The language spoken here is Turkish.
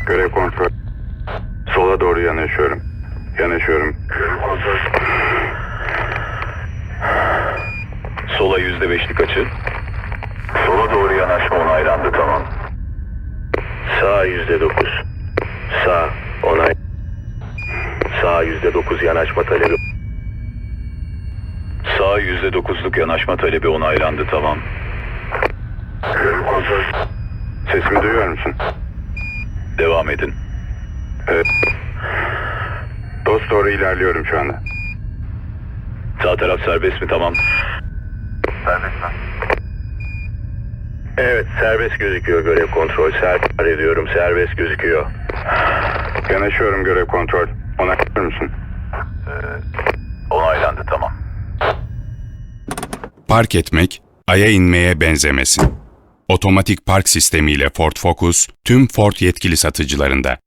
Görev kontrol. Sola doğru yanaşıyorum. Yanaşıyorum. Sola %5'lik açı. Sola doğru yanaşma onaylandı, tamam. Sağ %9. Sağ onay. Sağ %9 yanaşma talebi. Sağ %9'luk yanaşma talebi onaylandı, tamam. Sesimi duyuyor musun? Devam edin. Evet. Dost doğru ilerliyorum şu anda. Sağ taraf serbest mi, tamam. Evet, serbest gözüküyor görev kontrol. Serbest ediyorum, serbest gözüküyor. Yanaşıyorum görev kontrol. Onaylar mısın? Onaylandı, tamam. Park etmek, Ay'a inmeye benzemesin. Otomatik park sistemiyle Ford Focus, tüm Ford yetkili satıcılarında.